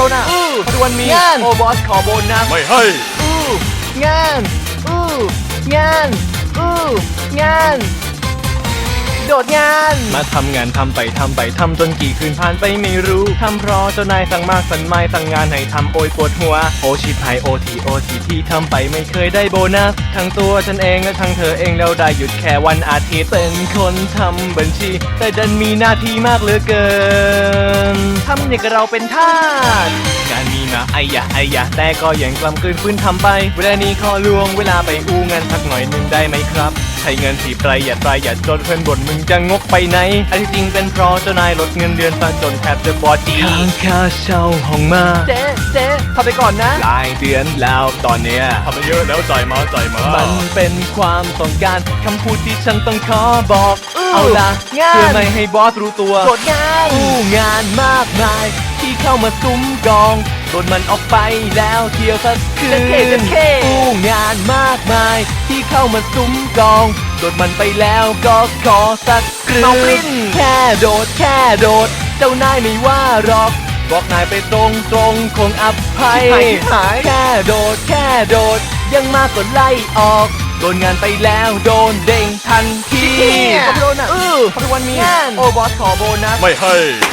น่ะทุกวันมีงานโอบอสขอโบนัสไม่ให้งานงานงานโดดงานมาทำงานทำไปทำจนกี่คืนผ่านไปไม่รู้ทำเพราะเจ้านายสั่งมากสั่งไม่สั่งงานให้ทำโอยปวดหัวโอชิพายโอทีที่ทำไปไม่เคยได้โบนัสทั้งตัวฉันเองและทั้งเธอเองแล้วได้หยุดแค่วันอาทิตย์เป็นคนทำบัญชี แต่ดันมีหน้าที่มากเหลือเกินทำอย่างกับเราเป็นทาสงานมีมาไอ้ยะแต่ก็ยังกล้ำกลืนฟื้นทำไปเวลานี้ขอลวงเวลาไปอู้งานสักหน่อยหนึ่งได้ไหมครับใช้เงินที่ประหยัดจนเพื่อนบ่นมึงจะงกไปไหนอันที่จริงเป็นเพราะเจ้านายลดเงินเดือนซะจนแทบจะบอดีค้างค่าเช่าห้องมาเจ๊ทำไปก่อนนะหลายเดือนแล้วตอนเนี้ยทำไปเยอะแล้วจ่ายมามันเป็นความต้องการคำพูดที่ฉันต้องขอบอก เอาล่ะงานเพื่อไม่ให้บอสรู้ตัวโดดงานงานมากมายที่เข้ามาซุ้มกองโดนมันออกไปแล้วเที่ยวสักคืนงานมากมายที่เข้ามาซุ้มกองโดนมันไปแล้วก็ขอสักคืน้องปลิ้นนแค่โดดเจ้านายไม่ว่าหรอกบอกนายไปตรงคงอภัยหายแค่โดดยังมากกว่าไล่ออกโดนงานไปแล้วโดนเด้งทันทีขอบคุณน่ะทุกวันมีงานโอบอสขอโบนัสไม่ให้